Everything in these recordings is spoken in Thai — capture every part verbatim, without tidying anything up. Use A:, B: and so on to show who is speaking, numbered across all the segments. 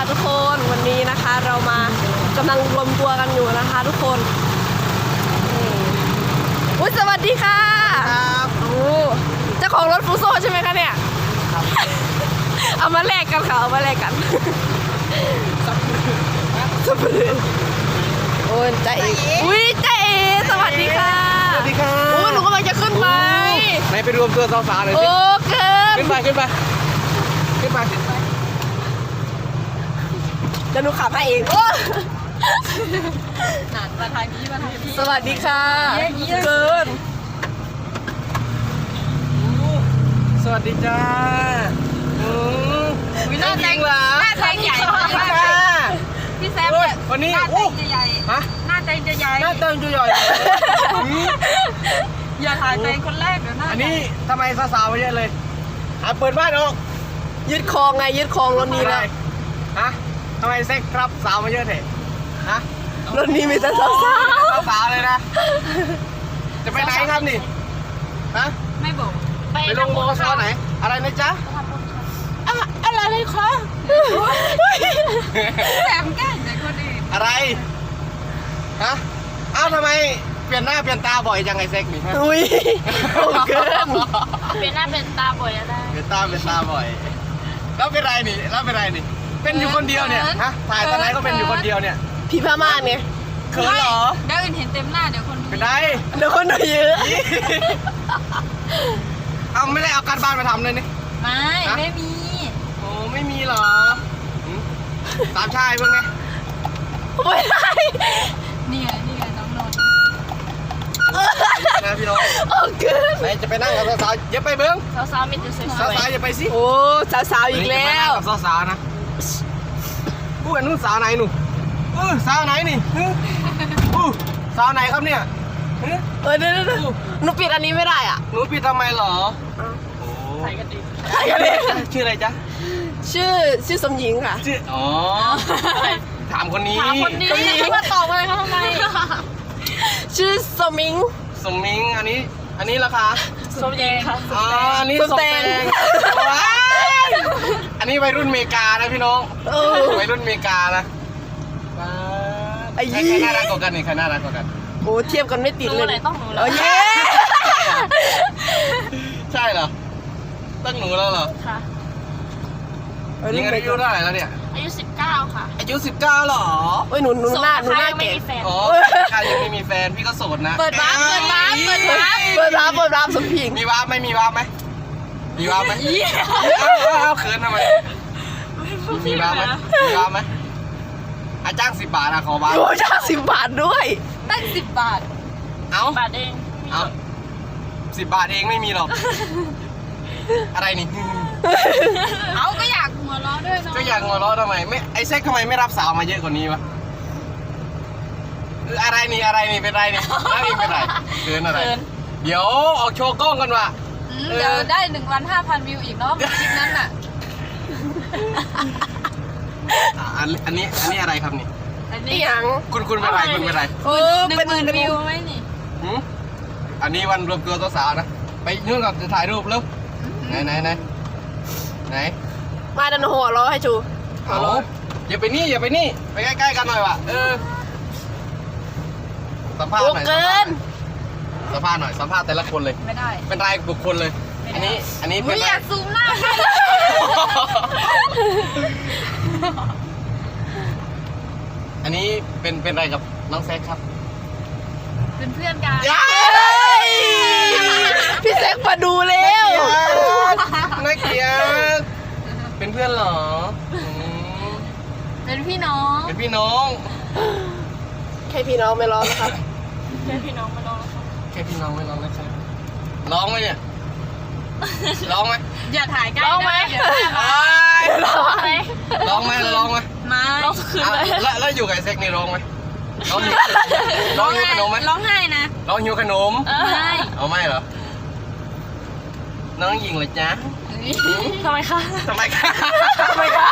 A: ทุกคนวันนี้นะคะเรามากำลังรวมตัวกันอยู่นะคะทุกคนอุ้ยสวัสดีค่ะครับโอ้เจ้าของรถฟูโซ่ใช่ไหมคะเนี่ยครับเอามาแลกกันค่ะเอามาแลกกันสับปะรดโอ้ยใจเอ๋อุ้ยใจเอ๋สวัสดีค่ะ
B: สวัสดีค่ะ
A: โอ้หนูกำลังจะขึ้นไป
B: ไหนไปรวมตัวสาวๆเลยสิ
A: โอ้เกิน
B: ขึ้นไปขึ้นไปขึ้นไป
A: จะหนูขับให้เองโอ้
C: หนานมาทางนี้มาทางนี้
A: สวัสดีค่ะเกิน
B: สวัสดีจ้าอืม
C: หน้าแดงเหรอหน้าแดงใหญ่มากพี่แซมเนี่ย
B: วันนี้
C: หน้าแด
B: โอ้
C: งจะใหญ่ฮะหน้าแดงจะใหญ่
B: หน้าแดงจะใหญ่
C: อย่าถ่ายแดงคนแรกเดี๋ยวหน้า
B: อันนี้ทำไมสาวๆมาเยอะเลยหาเปิดบ้านออก
A: ยึดคลองไงยึดคลองรถนี้แล้ว
B: ฮะทำไมเซ็กครับสาวมาเยอะเถอะฮะ
A: รถนี้มีแต่สาวสาว
B: สาวเลยนะจะไปไหนครับนี่ฮะ
C: ไม่บอก
B: ไปลงโมซอไหนอะไรนะจ๊ะ
A: อะไรเลยคะ
C: แซมแกล้งแต่คนอื่น
B: อะไรฮะอ้าวทำไมเปลี่ยนหน้าเปลี่ยนตาบ่อยจังไงเซ็กนี่ฮะ
A: อุ้ยโอ้เกิน
C: เปลี่ยนหน้าเปลี่ยนตาบ่อยอะไร
B: เปลี่ยนตาเปลี่ยนตาบ่อยแล้วเป็นไรนี่แล้วเป็นไรนี่เป็นอยู่คนเดียวเนี่ยฮะถ่ายตอนไหนก็เป็นอยู่คนเดียวเนี่ย
A: พี่พม่าเนี่ย
B: เขินเหรอ
C: เดี๋ยวอื่นเห็นเต็มหน้าเดี๋ยวคน
B: เป็นไร
A: เดี๋ยวคนดูเยอะ
B: เอาไม่ได้เอาการบ้านมาทำเลยนี่
C: ไม่ไม่มี
B: โอ้ไม่มีเหรอตามชายเพิ่งไง
A: ไม่ได้
C: นี่ไงนี่ไงน้องนนท์
B: นะพี่น้อง
A: โอ้เกิน
B: ไหนจะไปนั่งกับสาวๆอย่าไปเบิ้ง
C: สาวๆมีแต่สวย
B: สาวๆอย่าไปสิ
A: โอ้สาวๆอีกแล้ว
B: กับสาวๆนะอู้อันนู้นสาวไหนหนูเออสาวไหนนี่อู้สาวไหนครับเนี่ย
A: เออเดี๋ยวหนูปิดอันนี้ไม่ได้อ่ะ
B: หนูปิดทำไมเหรอ
C: ใส่กันดิ
A: ใส่กันดิ
B: ชื่ออะไรจ๊ะ
A: ชื่อชื่อสมหญิงค่ะ
B: ชื่ออ๋อถามคนนี้
C: ถามคนนี้เขามาตอบอะไรเขาทำไม
A: ชื่อสมิง
B: สมิงอันนี้อันนี้ราคา
C: สมแยงค่ะ
B: อ๋ออันนี้สมแตงอันนี้วัยรุ่นเมกานะพี่น้องวัยรุ่นเมกานะ
A: ไอ้ยี่
B: ใครน่ารักกว่ากันนี่ใครน่ารักกว่ากัน
A: โอ้เทียบกันไม่ติดเลย
C: ต้องหนู
A: แล้วเย้
B: ใช่เหรอตั้งหนูแล้วเหรอ
C: ค่ะ
B: ยิงอายุเท่าไหร่แล้วเนี่ย
C: อายุสิบเก้าค่ะ
B: อายุสิบเก้าหรอ
A: โอ้ยหนูหนูหน้าหนูหน้าแก่
B: อ๋อใครยังไม่มีแฟนพี่ก็โสดนะ
A: เปิดวาร์ปเปิดวาร์ปเปิดวาร์ปเปิดวาร์ปเปิดวาร์ปสมพิง
B: มีวาร์ปไหมมีวาร์ปไหมมีวาร์ปไหมเอาเขินทำไมมีวาร์ปไหมมีวาร์ปไหมอาจ้างสิบบาทอะขอวาร์ป
A: โอ้จ้างสิบบาทด้วย
C: ตั้งสิบบาท
B: เอา
C: บาทเอง
B: เอาสิบบาทเองไม่มีหรอกอะไรนี่
C: เอาก็อยากหัวเราะด้วยเนาะ
B: ก็อยากหัวเราะทำไมไม่ไอ้เซ็กทำไมไม่รับสาวมาเยอะกว่านี้วะอะไรนี่อะไรนี่เป็นไรนี่นั่งเองเป็นไรเกินอะไรเดี๋ยวออกโชว์กล้องกันว่ะ
C: เดี๋ยวได้หนึ่งล้านห้าพันวิวอีกเนาะคลิปนั้นน่ะ
B: อันอันนี้อันนี้อะไรครับนี่
C: อันนี้
A: ยัง
B: คุณคุณเป็นไรคุณเป็นไร
A: โอ้
C: เป็นหมื่นวิวไหมนี่
B: อันนี้วันรวมตัวสาวนะไปนู่นก่อนจะถ่ายรูปแล้วไหนไหนไหนไหน
A: มาดันหัวเราให้ชู
B: เอาอย่าไปนี่อย่าไปนี่ไปใกล้ๆกันหน่อยว่ะเออสัมภาษณ์หน่อย
A: เกิน
B: สัมภาษณ์หน่อยสัมภาษณ์แต่ละคนเลย
C: ไม่ได้
B: เป็นรายบุคคลเลยอันนี้อันนี้
C: เป็นอยากซูมหน้า
B: อันนี้เป็นเป็นอะไรกับน้องแซคครับ
C: เป็นเพื่อนกัน
A: พี่แซคมาดูแล้ว
B: น่าเกลียดเป็นเพื่อนเหรอ
C: เป็นพี่น้อง
B: เป็นพี่น้อง
A: แค่พี่น้องไม่ร้องนะครับ
C: แค่พี่น้องไม่ร้องนะครับ
B: แค่พี่น้องไม่ร้องนะครับร้องไหมเนี่ยร้องไหม
C: อย่าถ่ายใกล้ร้องไหม
B: ร้องไหมร้องไหมร้องไหม
C: ไม่ร้องคืนเลย
B: แล้วแล้วอยู่กับเซ็กนี่ร้องไหมร้องหิวร้องหิวขนมไหม
C: ร้องไห้นะ
B: ร้องหิวขนม
C: ไม่
B: เอาไม่เหรอน้องหญิงเลยจ๊ะ
C: ทำไมคะ
B: ทำไมคะ
A: ทำไมคะ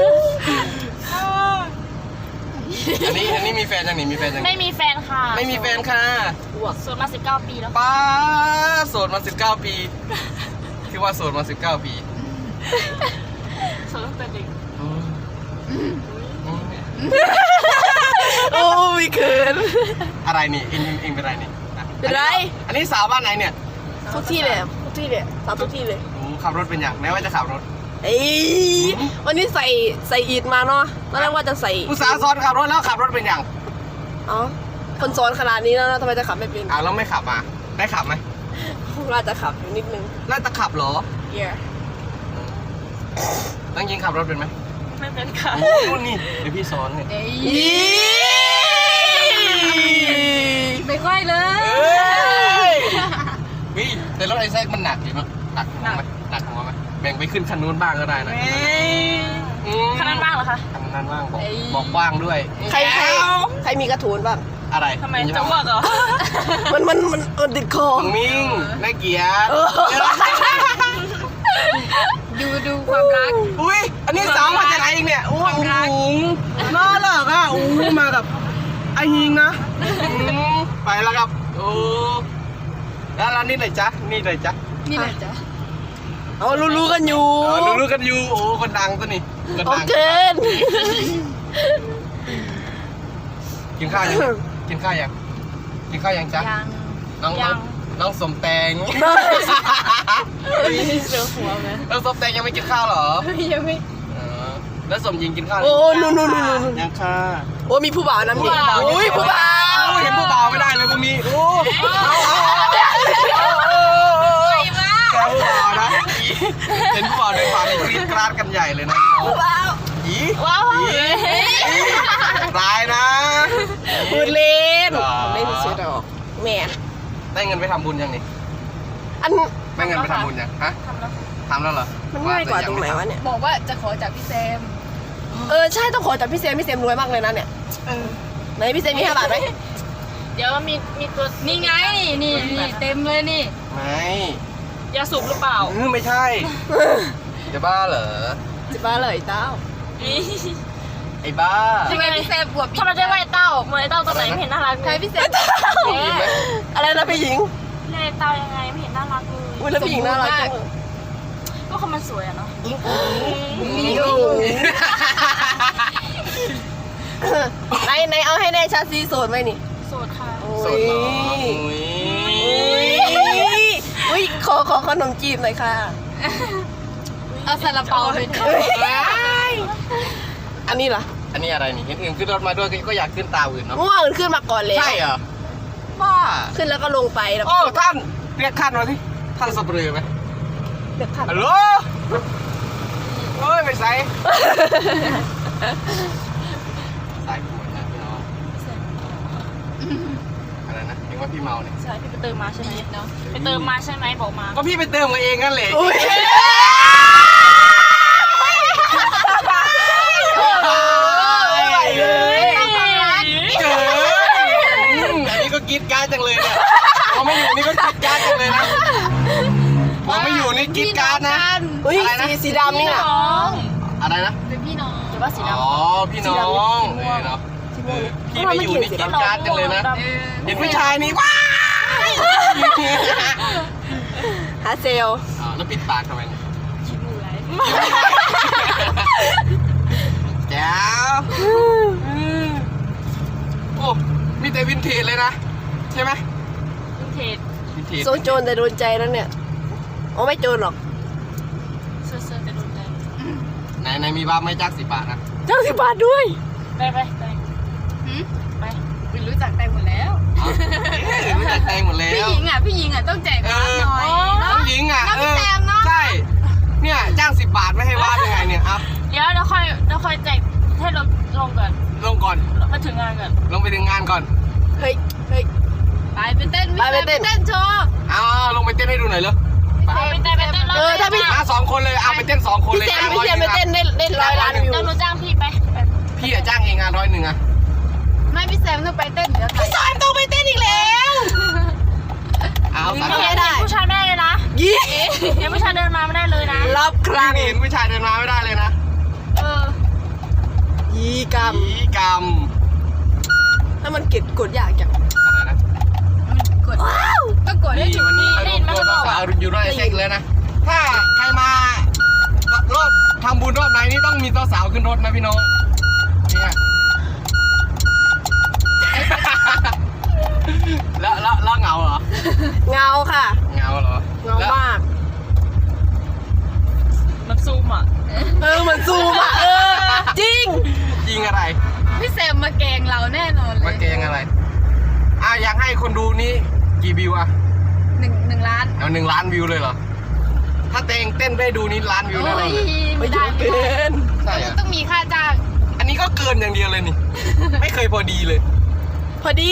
B: อันนี้อันนี้มีแฟนยังนี่มีแฟนยัง
C: ไม่มีแฟนค่ะ
B: ไม่มีแฟนค่ะ
C: โสดมาสิบเก้าปีแล้ว
B: ป้าโสดมาสิบเก้าปีที่ว่าโสดมาสิบเก้าปี
C: โสดตั้งแต่เด็ก
A: โอ้ยเขิน
B: อะไรนี่เองเองเองเป็นไรนี่อ่ะ
A: เป็นไร
B: อันนี้สาวบ้านไหนเนี่ย
A: ทุกที่เลยทุกที่เลยสาวทุกที่เลย
B: โอ้ขับรถเป็นอย่างไหนว่าจะขับรถ
A: เอ้ยวันนี้ใส่ใส่อีดมาเนาะตอนแรกว่าจะใส่
B: อุตสาห์ซ้อนขับรถแล้วขับรถเป็นอย่าง
A: อ๋อคนสอนขนาดนี้แล้วนะทำไมจะขับไม่เป็น
B: อ้าวแล้วไม่ขับมาได้ขับไหม
A: ว่าจะขับอยู่นิดนึง
B: น่าจะขับเหรอ
A: yeah
B: ตั้งยิงขับรถเป็นไหม
C: ไม่เป็นค่ะ
B: โอ้นู่นนี่เดี๋ยวพี่สอนเนี่ย
C: เอ้ย
A: อี
C: ไม่ค่อยเลย
B: วิแต่รถไอ้แซกมันหนักอยู่มั้ยหนักหัวไหมหนักหัวไหมแบ่งไปขึ้นคันนู้นบ้างก็ได้นะอืม
C: ขนาดบ้างเหรอคะ
B: คันนั้นบ้างบอก
C: เอ้ย
B: บอกว่างด้วย
A: ใครใครใครมีกระถูนบ้าง
B: อะไร
C: ทำไมจะอ้วกเหรอ
A: มันมันมันมันติดคอ
B: มึงมิ่งน่าเกลียด
A: เออ
C: ดูดูความรัก
B: อุ้ยอันนี้สาวมาจากไหนเองเนี่ยโอ้โหน่ารักอ่ะโอ้มากับไอฮิงนะอืมไปแล้วครับโอ้แล้วร้านนี้ไหนจ๊ะนี่ไหนจ๊ะ
C: นี่แหละจ้ะ
A: เอารู้ๆกันอยู่
B: เออรู้ๆกันอยู่โอ้คนดังตัวนี้คน
A: โอ
B: ดัง
A: เค
B: กินข้าวยังกินข้าวยังกินข้าวยังจ๊ะ
C: ยัง
B: น้อง
C: ยั
B: น้อง งน้องสมแตง
C: เสือหัวไหม
B: น้องสมแตงยังไม่กินข้าวเหรอ
C: ยังไม่
B: เออแล้วสมยิงกินข้าวหรื
A: โอ้
B: อ
A: นู่นนู่นนู่นนู่น
B: ยังค่ะ
A: โอ้มีผู้บ่าวนะพี่
C: ผู้บ่าว
A: โอ้ยผู้บ่าว
B: โอ้เห็นผู้บ่าวไม่ได้เลยพวกนี้โอ้
C: ไปมาก
B: แกผู้บ่าวนะเห็นผู้บ่าวเดินผ่านในกรี๊ดกราดกันใหญ่เลยนะ
A: ผู้บ่าว
B: อี
C: ว้าว
B: อีร้ายนะ
A: พูดเล่น
B: หรอ
A: เล่นเสียดอกแหม่
B: ได้เงินไปทำบุญยังนี่
A: อัน
B: ได้เงินไปทำบุญยังฮะ
C: ทำแล้ว
B: ทำแล้วเหรอ
A: มันง่ายกว่าตรงไหนวะเนี่ย
C: บอกว่าจะขอจากพี่แซม
A: เออใช่ต้องขอจากพี่เซมพี่เซมรวยมากเลยนะเนี่ยไหนพี่เซมมีห้าบาทไหม
C: เดี๋ยวมีมีตัวนี่ไงนี่นี่เต็มเลยนี่
B: ไม่
C: ยาสูบหรือเปล่า
B: อืมไม่ใช่ จะบ้าเหรอ
A: จะบ้าเลยเต้า
B: ไอ้บ้า
C: ทำไมพี่แซมบวกทำไมได้ไวเต้าเหมือนไอ้เต้าตัวไหนไม่เห็นน่ารักเลยใช่พี่แซม
B: มีไหม
A: อะไรนะพี่หญิง
C: เล่นเต้ายังไงไม่เห็นน่ารักเลย
A: อุ้ยแล้วพี่หญิงน่ารักจัง
C: ก็คนมันสวยอะเนาะ
A: ไหนไหนเอาให้แน่ชัดซีโสดไหมนี่
C: โสดค่ะ
B: สดเหรอ
A: อุ้ยอุ้ยขอขอขนมจีบหน่อยค่ะ
C: เอาซาลาเปาไปเถอะ
A: อันนี้ล่ะ
B: อันนี้อะไรนี่เห็นอื่นขึ้นรถมาด้วยก็อยากขึ้นตามอื่นเนาะ
A: เมื่อวานมันขึ้นมาก่อนแล้ว
B: ใช่เหรอบ้า
A: ขึ้นแล้วก็ลงไปแล้ว
B: โอ้ท่านเรียกท่านมาสิท่านสับเรือไหม
A: เดี๋ยวขับ
B: ฮัลโหลเฮ้ยไม่ใส่ใส่หมดนะพี่น้องอะไรนะเห็นว่าพี่เมาเนี่ย
C: ใช่พี่ไปเติมมาใช่ไหมเนาะไปเติมมาใช่ไหมบอกมา
B: ก็พี่ไปเติมมาเองนั่นแหละ
A: อุ้ย
B: ไม่ไหวเลย
C: เกิ
B: อืมอันนี้ก็กรีดการ์ดจังเลยเนี่ยพอไม่อยู่นี่ก็กรีดการ์ดจังเลยนะพอไม่อยู่นี่กรีดการ์ดนะ
A: อุ้ย
B: อะไรนะ
A: สีสีดำนี่น่ะ
C: น้อง
B: อะไรนะ
C: เป็นพี่น้องหรือว่าสีดำ
B: อ๋อพี่น้องเออเนาะเออพี่ไปอยู่นี่กรีดการ์ดจังเลยนะเห็นผู้ชายนี่ว้าว
A: หาเซล
B: อ๋อแล้วปิดปากทำไมเนี่ย
C: คิดดูไร
B: แจ๋วโอ้มีแต่วินเทจเลยนะใช่ไหม
C: วินเทจ
B: วินเทจ
A: โซโจรแต่โดนใจแล้วเนี่ยโอ้ไม่โจรหรอก
C: เสื้อเสื้อจะโดนใจ
B: ไหนไหนมีบ้าไม่จ้างสิบบาทนะ
A: เจ้าสิบบาทด้วย
C: ไปไปไปไปวินรู้จักแตงหมดแล้ว
B: อ๋อเอ๊ะรู้จักแตงหมดแล้ว
C: พี่หญิงอ่ะพี่หญิงอ่ะต้องแจก
B: เอ
C: ร้าน
B: อ
C: หน่อย
B: น้องหญิงอ่ะ
C: น้อง
B: เอ
C: พี่
B: อ
C: แซมเนาะ
B: ใช่เนี่ยจ้างสิบบาทไม่ให้วาดยังไงเนี่ยเอา
C: เดี๋ยวเดี๋ยวค่อยเดี๋ยวค่อยแจกให้ลงลงก่อน
B: ลงก่อน
C: มาถึงงานก่อน
B: ลงไปถึงงานก่อน
A: เฮ้ยเฮ้ย
C: ไปไปเต้น
A: ไปไปเต้น
C: เต้นโชว์
B: เอาลงไปเต้นให้ดูหน่อยเลย
C: ไปไปเต้นไปเต้น
A: เออถ้าพี่
B: มาสองคนเลยเอาไปเต้นสองคน
A: พี่
B: เลย
A: เซมพี่เซมไปเต้นได้ได้ร้อยล้านวิว
C: เดี๋ยวหนูจ้างพี่ไปไป
B: พี่อะจ้างเองงานร้อยหนึ่งอะ
C: ไม่พี่แซมต้องไปเต้นเดี๋ยวพี่แซมต้องไปเต้นอีกแล้ว
B: เอาสาม
A: ไม่
B: คน
A: ได้
C: ผู้ชายไม่ได้เลยนะ
A: ยี่
C: เดี๋ยวผู้ชายเดินมาไม่ได้เลยนะ
A: รอบครั้ง
B: พี่เห็นผู้ชายเดินมาไม่ได้เลยนะ
C: เออ
A: ยี่กรรม
B: ผีกรรม
A: ถ้ามันเก็บกดยากจัง
B: อะไรนะ
C: กดต้องกดได้
B: นี่
C: ถึง
B: วันนี้
C: ได้
B: มาร
C: ยิ
B: วน ม
C: ไหม
B: ตัว
C: เขาบอก
B: สา
C: อ่ะ
B: วๆอยู่ด้วยเช็คเลยนะ ถ้าใครมารอบทำบุญรอบไหนนี่ต้องมีตัวสาวขึ้นรถนะพี่น้องนี้อ่ะ แล้วแล้วแล้วเหงาเหรอ
A: เงาค่ะ
B: เหงาเหรอ
A: เงามาก
C: มันซูมอ่ะ
A: เออเหมือนซูมอ่ะเออจริง
B: จริงอะไร
C: พี่แซมมาแกงเราแน่นอนเลย
B: มาเกงอะไรอ่ะอยากให้คนดูนี่กี่วิวอ่ะ
C: หนึ่งหนึ่งล้าน
B: เอาหนึ่งล้านวิวเลยเหรอ ถ้าเตงเต้นได้ดูนี่ล้านวิว
C: โอ้
B: แน่นอน
C: ย
B: เลย
C: ไม่ได้ไม่
A: เกิ
C: ได้
A: น
B: ใช่อะ
C: ต้องมีค่าจ้าง
B: อันนี้ก็เกินอย่างเดียวเลยนี่ ไม่เคยพอดีเลย
A: พอดี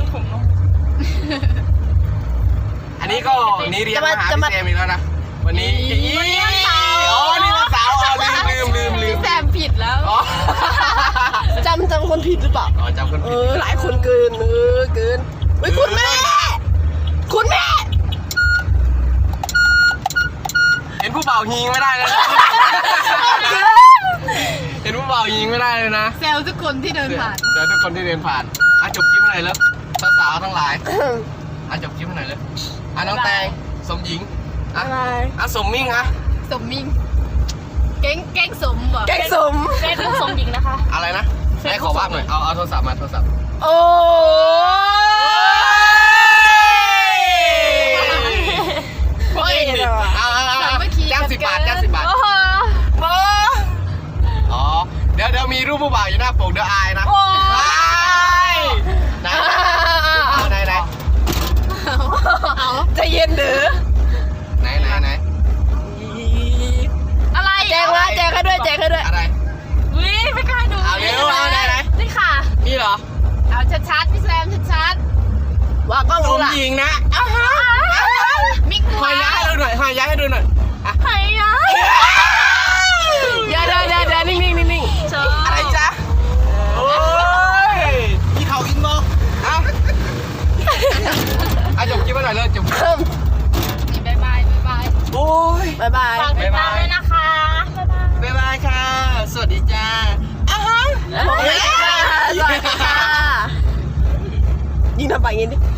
B: อันนี้ก็นี่เรียนมาหา
A: จะ
B: พี่
A: มา
B: แซมอีกแล้วนะ วันนี้
C: วันนี้วันเสาร์
B: อ๋อนี่วันเสาร์อ๋อลืมลืมลืมลืม
C: พี่แซมผิดแล้ว
B: อ๋อ
A: จำจำคนผิดหรือเปล่า
B: อ๋อจำคน
A: เอ
B: ผิด
A: อหลายคนเกินเออเกินเฮ้ยคุณแม่ คุณแม่
B: เห็นผู้เป่ายิงไม่ได้เลยนะ เห็นผู้เป่ายิงไม่ได้เลยนะ
C: แซวทุกคนที่เดินผ่าน
B: เจอทุกคนที่เดินผ่านอ่ะจบคลิปหน่อยเลยสาวๆทั้งหลายอ่ะจบคลิปหน่อยเลยอ่ะน้องแตงสมหญิงอ่ะ
A: อะไร
B: อ่ะสมมิ่งอ่ะ
C: สมมิงเก้งเก้งสมบ่
A: แกงสม
C: เก้งสมหญิงนะคะ
B: อะไรนะให้ขอว่าหน่อยเอาเอาโทรศัพท์มาโทรศัพท์
A: โอ้ย
B: โอ้ยเอาเอาเอาเอาจ้างสิบบาทจ้างสิบบาท
C: โอ้โห
B: อ๋อเดี๋ยวเดี๋ยวมีรูปผู้บ่าวอยู่หน้าปกเดี๋ยวอายนะ
C: โอ้
B: ยไหนเอาไหนไหน
C: เอา
A: ใจเย็นเด้อ
B: ไหนไหนไหน
C: อะไร
A: แจกมาแจกให้ด้วยแจกให้ด้วย
B: อะไร
C: วิไม่กล้าดู
B: เอาเร็วเอาไหนไหน
C: นี่ค่ะ
B: นี่เหรอ
C: เอาชัดๆพี่แซมชัด
A: ว่ากล้อง
B: ส
A: รู้
B: ม
A: ละ
B: หญิงนะ
C: ๆมิก
B: หอยย้ายให้ดูหน่อยหอยย้ายให้ดูหน่อยอ่ะ
C: หอยย้าย
A: เดี๋ยวเดี๋ยวเดี๋ยวเดี๋ยวนิ่งนิ่งนิ่งนิ่ง
B: อะไรจ๊ะโอ้ยมีเขาอินบอกเอ้าอ่ะจบคลิปไปหน่อยเลยจบ
A: เพิ่ม
C: นี่บายบายบายบาย
B: โอ้ย
A: บายบาย
C: ฝากติดตามด้วยนะคะบ๊ายบาย
B: บ๊ายบายค่ะ สวัสดีจ้าอ้าว
A: สวัสดีค่ะยิงทำปากอย่างนี้ดิ